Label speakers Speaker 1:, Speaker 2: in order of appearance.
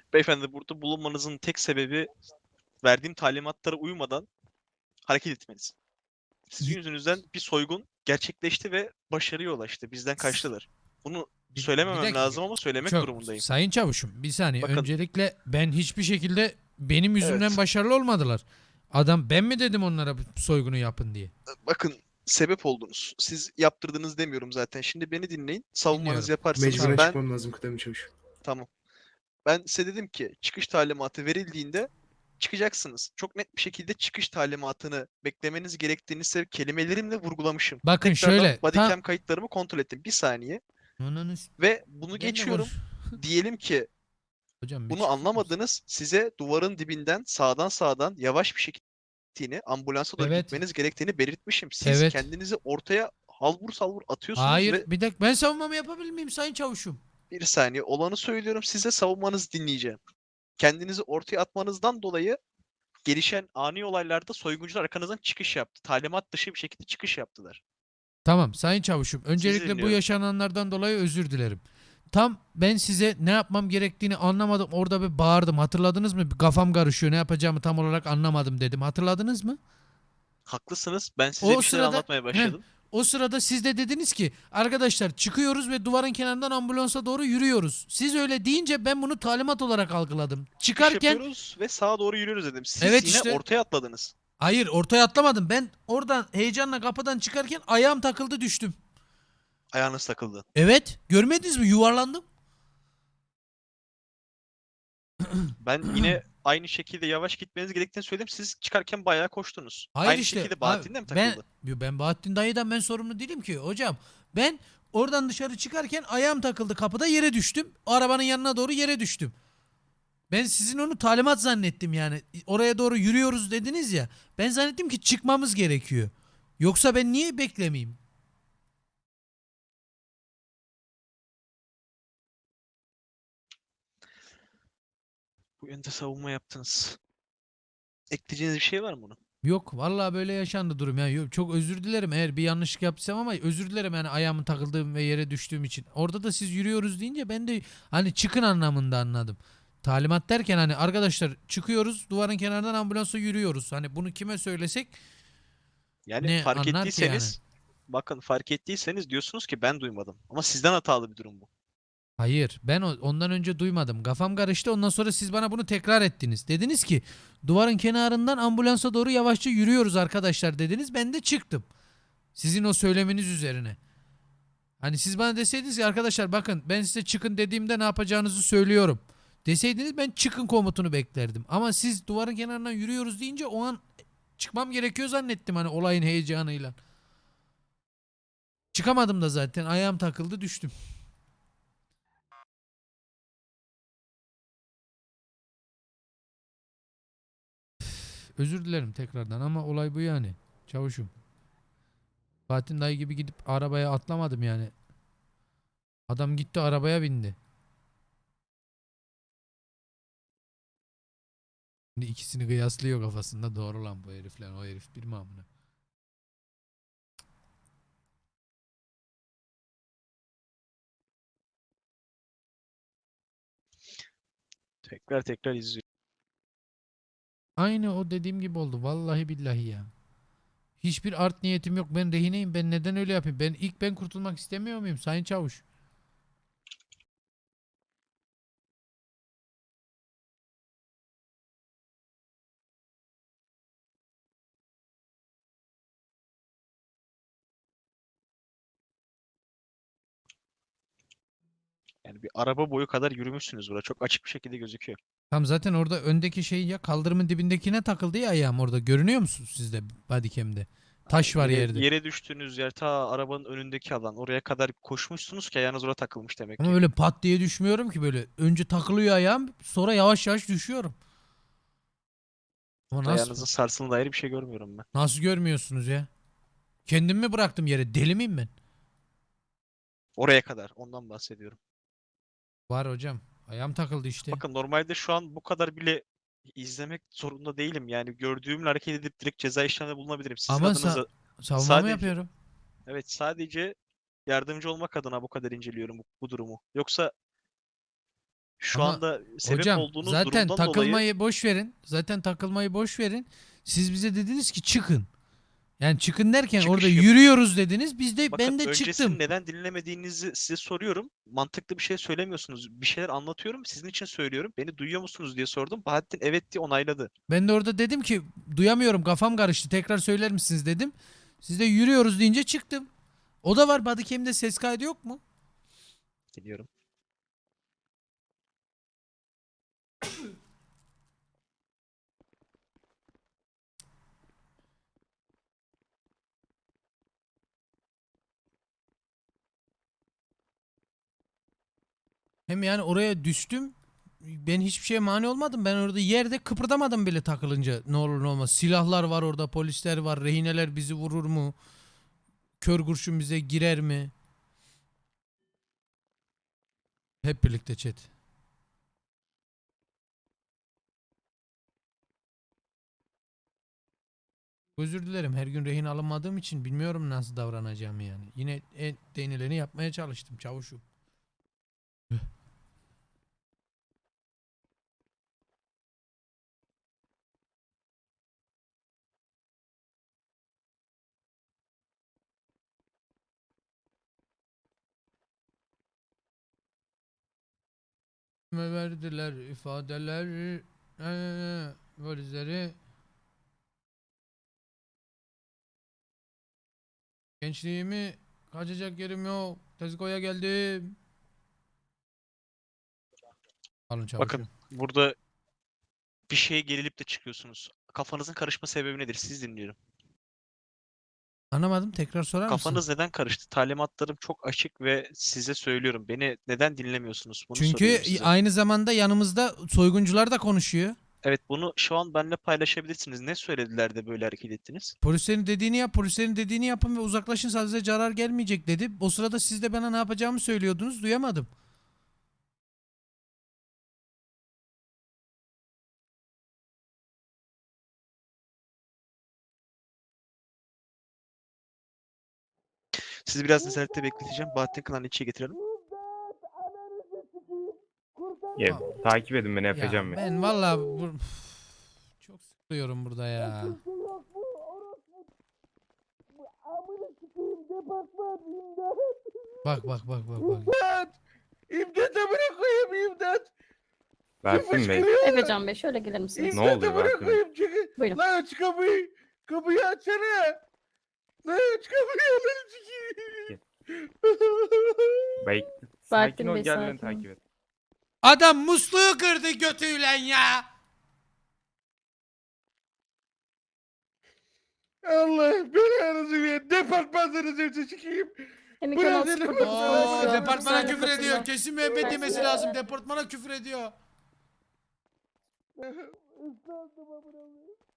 Speaker 1: Beyefendi burada bulunmanızın tek sebebi verdiğim talimatlara uymadan hareket etmeniz. Sizin yüzünüzden bir soygun gerçekleşti ve başarıya ulaştı. Bizden kaçtılar. Bunu
Speaker 2: Bir
Speaker 1: söylememem
Speaker 2: dakika.
Speaker 1: lazım ama söylemek
Speaker 2: Çok
Speaker 1: durumundayım.
Speaker 2: sayın çavuşum bir saniye.
Speaker 1: Bakın,
Speaker 2: Öncelikle ben hiçbir şekilde benim yüzümden
Speaker 1: evet.
Speaker 2: başarılı olmadılar. Adam ben mi dedim onlara bu soygunu yapın diye?
Speaker 1: Bakın, sebep oldunuz. Siz yaptırdınız demiyorum zaten. Şimdi beni dinleyin. Savunmanızı
Speaker 2: Dinliyorum.
Speaker 1: yaparsınız.
Speaker 3: Mecburen
Speaker 2: Çavuş.
Speaker 3: çıkmam lazım kıdemli çavuş.
Speaker 1: Tamam. Ben size dedim ki çıkış talimatı verildiğinde çıkacaksınız. Çok net bir şekilde çıkış talimatını beklemeniz gerektiğini size kelimelerimle vurgulamışım.
Speaker 2: Bakın
Speaker 1: Tekrardan
Speaker 2: şöyle tam
Speaker 1: bodycam kayıtlarımı kontrol ettim. Bir saniye.
Speaker 2: Ananı
Speaker 1: Ve bunu
Speaker 2: ben de konuş.
Speaker 1: geçiyorum. Diyelim ki
Speaker 2: Hocam bir
Speaker 1: bunu
Speaker 2: çıkar mısın?
Speaker 1: anlamadınız. Size duvarın dibinden sağdan yavaş bir şekilde ambulansa doğru
Speaker 2: Evet.
Speaker 1: gitmeniz gerektiğini belirtmişim. Siz
Speaker 2: Evet.
Speaker 1: kendinizi ortaya halvur salvur atıyorsunuz
Speaker 2: Hayır.
Speaker 1: ve
Speaker 2: Bir dakika ben savunmamı yapabilir miyim sayın çavuşum?
Speaker 1: bir saniye olanı söylüyorum, size savunmanızı dinleyeceğim. Kendinizi ortaya atmanızdan dolayı gelişen ani olaylarda soyguncular arkanızdan çıkış yaptı. Talimat dışı bir şekilde çıkış yaptılar.
Speaker 2: Tamam sayın çavuşum.
Speaker 1: Sizi
Speaker 2: Öncelikle bu
Speaker 1: dinliyorum.
Speaker 2: yaşananlardan dolayı özür dilerim. Tam ben size ne yapmam gerektiğini anlamadım. Orada bir bağırdım. Hatırladınız mı? Bir kafam karışıyor. Ne yapacağımı tam olarak anlamadım dedim. Hatırladınız mı?
Speaker 1: Haklısınız. Ben size
Speaker 2: O
Speaker 1: bir şeyler
Speaker 2: sırada
Speaker 1: anlatmaya
Speaker 2: heh,
Speaker 1: başladım.
Speaker 2: o sırada siz de dediniz ki arkadaşlar çıkıyoruz ve duvarın kenarından ambulansa doğru yürüyoruz. Siz öyle deyince ben bunu talimat olarak algıladım.
Speaker 1: Çıkış
Speaker 2: Çıkarken
Speaker 1: yapıyoruz ve sağa doğru yürüyoruz dedim. Siz
Speaker 2: evet
Speaker 1: yine
Speaker 2: işte
Speaker 1: ortaya atladınız.
Speaker 2: hayır ortaya atlamadım. Ben oradan heyecanla kapıdan çıkarken ayağım takıldı düştüm.
Speaker 1: Ayağınız takıldı.
Speaker 2: Evet görmediniz mi yuvarlandım.
Speaker 1: Ben yine aynı şekilde yavaş gitmeniz gerektiğini söyledim. Siz çıkarken bayağı koştunuz.
Speaker 2: Hayır
Speaker 1: Aynı
Speaker 2: işte
Speaker 1: şekilde
Speaker 2: abi,
Speaker 1: Bahattin de mi
Speaker 2: ben
Speaker 1: takıldı?
Speaker 2: ben Bahattin dayıdan ben sorumlu değilim ki hocam. Ben oradan dışarı çıkarken ayağım takıldı kapıda yere düştüm. O arabanın yanına doğru yere düştüm. Ben sizin onu talimat zannettim yani. Oraya doğru yürüyoruz dediniz ya. Ben zannettim ki çıkmamız gerekiyor. Yoksa ben niye beklemeyeyim?
Speaker 1: Bu yönde savunma yaptınız. Ekleyeceğiniz bir şey var mı buna?
Speaker 2: Yok vallahi böyle yaşandı durum ya. Yok, çok özür dilerim eğer bir yanlışlık yaptıysam ama özür dilerim yani ayağımın takıldığım ve yere düştüğüm için. Orada da siz yürüyoruz deyince ben de hani çıkın anlamında anladım. Talimat derken hani arkadaşlar çıkıyoruz duvarın kenarından ambulansa yürüyoruz. Hani bunu kime söylesek
Speaker 1: Yani
Speaker 2: ne
Speaker 1: fark
Speaker 2: anlar ki yani?
Speaker 1: ettiyseniz, bakın fark ettiyseniz diyorsunuz ki ben duymadım. Ama sizden hatalı bir durum bu.
Speaker 2: Hayır ben ondan önce duymadım. Kafam karıştı ondan sonra siz bana bunu tekrar ettiniz. Dediniz ki duvarın kenarından ambulansa doğru yavaşça yürüyoruz arkadaşlar dediniz. Ben de çıktım. Sizin o söyleminiz üzerine. Hani siz bana deseydiniz ki arkadaşlar bakın ben size çıkın dediğimde ne yapacağınızı söylüyorum. Deseydiniz ben çıkın komutunu beklerdim. Ama siz duvarın kenarından yürüyoruz deyince o an çıkmam gerekiyor zannettim hani olayın heyecanıyla. Çıkamadım da zaten ayağım takıldı düştüm. Özür dilerim tekrardan ama olay bu yani. Çavuşum. Fatih dayı gibi gidip arabaya atlamadım yani. Adam gitti arabaya bindi. Şimdi ikisini kıyaslıyor kafasında. Doğru lan bu herifler. O herif bir mi amına?
Speaker 1: Tekrar tekrar izliyorum.
Speaker 2: Aynı o dediğim gibi oldu. Vallahi billahi ya. Hiçbir art niyetim yok. Ben rehineyim. Ben neden öyle yapayım? Ben kurtulmak istemiyor muyum Sayın Çavuş?
Speaker 1: Yani bir araba boyu kadar yürümüşsünüz burada. Çok açık bir şekilde gözüküyor.
Speaker 2: Tam zaten orada öndeki şey ya kaldırımın dibindekine takıldı ya ayağım orada. Görünüyor musunuz sizde bodycam'de? Taş var
Speaker 1: Yere,
Speaker 2: yerde.
Speaker 1: yere düştüğünüz yer ta arabanın önündeki alan. Oraya kadar koşmuşsunuz ki ayağınız oraya takılmış demek
Speaker 2: Ama
Speaker 1: ki.
Speaker 2: öyle pat diye düşmüyorum ki böyle. Önce takılıyor ayağım sonra yavaş yavaş düşüyorum. Ama nasıl?
Speaker 1: Ayağınızın sarsıldığına dair bir şey görmüyorum ben.
Speaker 2: Nasıl görmüyorsunuz ya? Kendimi mi bıraktım yere? Deli miyim ben?
Speaker 1: Oraya kadar. Ondan bahsediyorum.
Speaker 2: Var hocam. Ayağım takıldı işte.
Speaker 1: Bakın normalde şu an bu kadar bile izlemek zorunda değilim. Yani gördüğümle hareket edip direkt ceza işleminde bulunabilirim. Sizin
Speaker 2: Ama
Speaker 1: adınıza
Speaker 2: savunmamı
Speaker 1: sadece,
Speaker 2: yapıyorum.
Speaker 1: evet, sadece yardımcı olmak adına bu kadar inceliyorum bu durumu. Yoksa Şu
Speaker 2: Ama
Speaker 1: anda sebep
Speaker 2: hocam
Speaker 1: olduğunuz
Speaker 2: zaten
Speaker 1: durumdan dolayı
Speaker 2: takılmayı boş verin. Zaten takılmayı boş verin. Siz bize dediniz ki çıkın. Yani çıkın derken orada
Speaker 1: çıkış yap.
Speaker 2: yürüyoruz dediniz.
Speaker 1: Bakın
Speaker 2: Ben de
Speaker 1: öncesini
Speaker 2: çıktım.
Speaker 1: neden dinlemediğinizi size soruyorum. Mantıklı bir şey söylemiyorsunuz. Bir şeyler anlatıyorum. Sizin için söylüyorum. Beni duyuyor musunuz diye sordum. Bahattin evet diye onayladı.
Speaker 2: Ben de orada dedim ki duyamıyorum, kafam karıştı, tekrar söyler misiniz dedim. Siz de yürüyoruz deyince çıktım. O da var, bodycam'de ses kaydı yok mu?
Speaker 1: Biliyorum.
Speaker 2: Hem yani oraya düştüm. Ben hiçbir şeye mani olmadım. Ben orada yerde kıpırdamadım bile takılınca. Ne olur ne olmaz. Silahlar var orada, polisler var. Rehineler bizi vurur mu? Kör kurşun bize girer mi? Hep birlikte chat. Özür dilerim. Her gün rehin alınmadığım için bilmiyorum nasıl davranacağımı yani. Yine denileni yapmaya çalıştım çavuşum. Me verdiler ifadeler, valizleri. Gençliğimi kaçacak yerim yok. Tezko'ya geldim. Alın
Speaker 1: Bakın
Speaker 2: çavuşum.
Speaker 1: burada bir şeye gerilip de çıkıyorsunuz. Kafanızın karışma sebebi nedir? Siz dinliyorum.
Speaker 2: Anlamadım. Tekrar sorar mısın?
Speaker 1: Kafanız neden karıştı? Talimatlarım çok açık ve size söylüyorum. Beni neden dinlemiyorsunuz? Bunu
Speaker 2: Çünkü
Speaker 1: soruyorum size.
Speaker 2: aynı zamanda yanımızda soyguncular da konuşuyor.
Speaker 1: Evet, bunu şu an benimle paylaşabilirsiniz. Ne söylediler de böyle hareket ettiniz?
Speaker 2: Polislerin dediğini yap, polislerin dediğini yapın ve uzaklaşın, sadece zarar gelmeyecek dedi. O sırada siz de bana ne yapacağımı söylüyordunuz, duyamadım.
Speaker 1: Sizi biraz nezarette bekleteceğim. Bahattin Kınan'ı içeri getirelim.
Speaker 3: Ya, takip edin beni
Speaker 2: Ya
Speaker 3: Efecan Bey.
Speaker 2: ben valla çok sıkılıyorum burada ya. Bak bak bak bak bak.
Speaker 4: İmdat! İmdat amına koyayım imdat!
Speaker 3: Berfin Bey.
Speaker 5: Efecan Bey şöyle gelir misiniz?
Speaker 3: Ne oluyor
Speaker 4: İmdat amına
Speaker 3: Berfin Bey?
Speaker 4: koyayım çıkın!
Speaker 5: Buyurun.
Speaker 4: Lan aç kapıyı! Kapıyı açsana! Lan aç kapıyı lan sikeyim!
Speaker 3: Bey.
Speaker 5: Berfin
Speaker 3: Sakin ol,
Speaker 5: Bey,
Speaker 3: gel beni
Speaker 5: sakin ol.
Speaker 3: takip et.
Speaker 2: Adam musluğu kırdı götüyle ya.
Speaker 4: Allah belanızı ver! Departmanlarınızı sikeyim!
Speaker 5: Emin
Speaker 4: Bırak
Speaker 5: Kanal
Speaker 4: beni.
Speaker 5: 09
Speaker 2: Oo,
Speaker 5: polisi.
Speaker 2: departmana küfür
Speaker 5: Hapishanede
Speaker 2: ediyor.
Speaker 5: katılıyor.
Speaker 2: Kesin müebbet yemesi lazım. Departmana küfür ediyor.
Speaker 4: Islandım amına koyayım!